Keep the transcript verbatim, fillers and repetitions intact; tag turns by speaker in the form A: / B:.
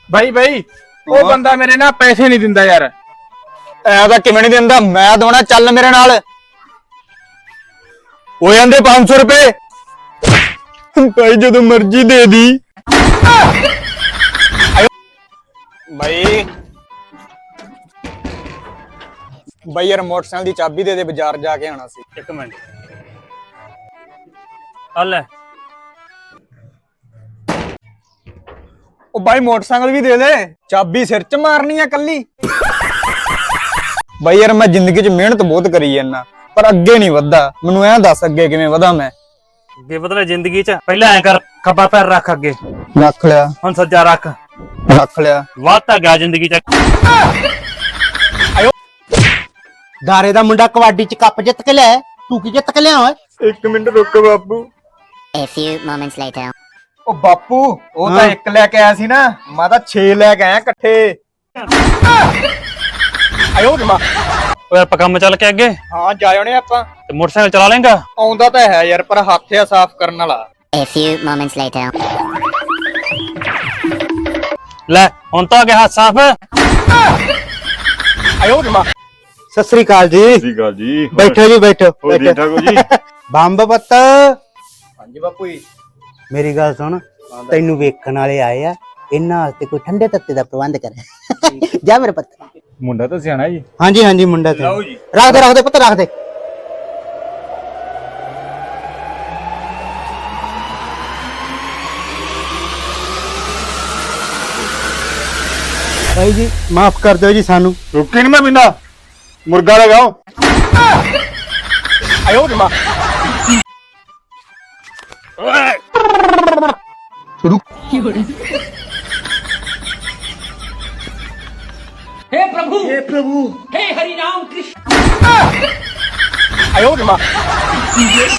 A: ਬਾਈ ਬਾਈ ਉਹ ਬੰਦਾ ਮੇਰੇ ਨਾਲ ਪੈਸੇ ਨਹੀਂ ਦਿੰਦਾ ਯਾਰ।
B: ਐ ਤਾਂ ਕਿਵੇਂ ਨਹੀਂ ਦਿੰਦਾ, ਮੈਂ ਦੋਣਾ, ਚੱਲ ਮੇਰੇ ਨਾਲ। ਹੋ ਜਾਂਦੇ ਪੰਜ ਸੌ ਰੁਪਏ ਭਾਈ, ਜਦੋਂ ਮਰਜ਼ੀ ਦੇ ਦੀ। ਬਾਈ ਬਾਈ ਯਾਰ ਮੋਟਰਸਾਈਕਲ ਦੀ ਚਾਬੀ ਦੇ ਦੇ, ਬਾਜ਼ਾਰ ਜਾ ਕੇ ਆਣਾ ਸੀ।
C: ਇੱਕ ਮਿੰਟ ਆ ਲੈ।
B: ਉਹ ਬਾਈ ਮੋਟਰਸਾਈਕਲ ਵੀ ਦੇ ਦੇ, ਚਾਬੀ ਸਿਰ 'ਚ ਮਾਰਨੀ ਆ ਕੱਲੀ। ਬਾਈ ਯਾਰ ਮੈਂ ਜ਼ਿੰਦਗੀ 'ਚ ਮਿਹਨਤ ਬਹੁਤ ਕਰੀ ਜਾਂਦਾ, ਪਰ ਅੱਗੇ ਨਹੀਂ ਵਧਦਾ। ਮੈਨੂੰ ਐਂ ਦੱਸ ਅੱਗੇ ਕਿਵੇਂ ਵਧਾਂ ਮੈਂ?
C: ਅੱਗੇ ਬਦਲੇ ਜ਼ਿੰਦਗੀ 'ਚ ਪਹਿਲਾਂ ਐ ਕਰ, ਖੱਬਾ ਪੈਰ ਰੱਖ ਅੱਗੇ,
B: ਰੱਖ ਲਿਆ।
C: ਹੁਣ ਸੱਜਾ ਰੱਖ,
B: ਰੱਖ ਲਿਆ।
C: ਵਾਧਾ ਗਿਆ ਜ਼ਿੰਦਗੀ 'ਚ।
D: ਗਾਰੇ ਦਾ ਮੁੰਡਾ ਕਬੱਡੀ 'ਚ ਕੱਪ ਜਿੱਤ ਕੇ ਲਿਆ, ਤੂੰ ਕੀ ਜਿੱਤ ਕੇ ਲਿਆ ਓਏ?
B: ਇੱਕ ਮਿੰਟ ਰੁਕ ਬਾਪੂ।
E: A few moments later.
B: ਉਹ ਬਾਪੂ ਉਹ ਤਾਂ ਇੱਕ ਲੈ ਕੇ ਆਇਆ ਸੀ ਨਾ, ਮੈਂ ਤਾਂ ਛੇ ਲੈ ਕੇ ਆਇਆ ਇਕੱਠੇ। ਆਇਓ ਜਮਾ।
C: ਓਏ ਆਪਾਂ ਕੰਮ ਚੱਲ ਕੇ ਅੱਗੇ।
B: ਹਾਂ ਜਾ ਆਉਣੇ ਆਪਾਂ।
C: ਤੇ ਮੋਟਰਸਾਈਕਲ ਚਲਾ ਲੇਗਾ?
B: ਆਉਂਦਾ ਤਾਂ ਹੈ ਯਾਰ, ਪਰ ਹੱਥ ਆ ਸਾਫ਼ ਕਰਨ ਵਾਲਾ।
E: A few moments later.
C: ਲੈ ਹੁਣ ਤਾਂ ਆ ਗਿਆ ਹੱਥ ਸਾਫ਼।
B: ਆਇਓ ਜਮਾ।
D: ਸਤਿ ਸ੍ਰੀ ਅਕਾਲ ਜੀ।
F: ਸਤਿ ਸ੍ਰੀ ਅਕਾਲ ਜੀ।
D: ਬੈਠੋ ਜੀ, ਬੈਠੋ
F: ਹੋਰ ਠੀਕ ਠਾਕ ਹੋ ਜੀ?
D: ਬੰਬ ਪੁੱਤ,
B: ਹਾਂਜੀ ਬਾਪੂ ਜੀ।
D: ਮੇਰੀ ਗੱਲ ਸੁਣ, ਤੈਨੂੰ ਵੇਖਣ ਵਾਲੇ ਆਏ ਆ, ਇਹਨਾਂ ਵਾਸਤੇ ਕੋਈ ਠੰਡੇ ਤੱਤੇ ਦਾ ਪ੍ਰਬੰਧ ਕਰ। ਜਾ ਮੇਰੇ ਪੁੱਤ।
A: ਮੁੰਡਾ ਤਾਂ ਸਿਆਣਾ ਜੀ।
D: ਹਾਂਜੀ ਹਾਂਜੀ ਮੁੰਡਾ ਤੇ
B: ਲਓ ਜੀ।
D: ਰੱਖ ਦੇ, ਰੱਖ ਦੇ ਪੁੱਤ, ਰੱਖ ਦੇ। ਭਾਈ ਜੀ ਮਾਫ ਕਰ ਦਿਓ ਜੀ ਸਾਨੂੰ।
F: ਰੁੱਕੀ ਨਹੀਂ ਮੈਂ ਬਿੰਦਾ, ਮੁਰਗਾ ਲਗਾਓ।
B: ਆਇਓ ਜਮਾ।
G: हे प्रभु हे प्रभु हे हरि राम कृष्ण
B: आयो जमा।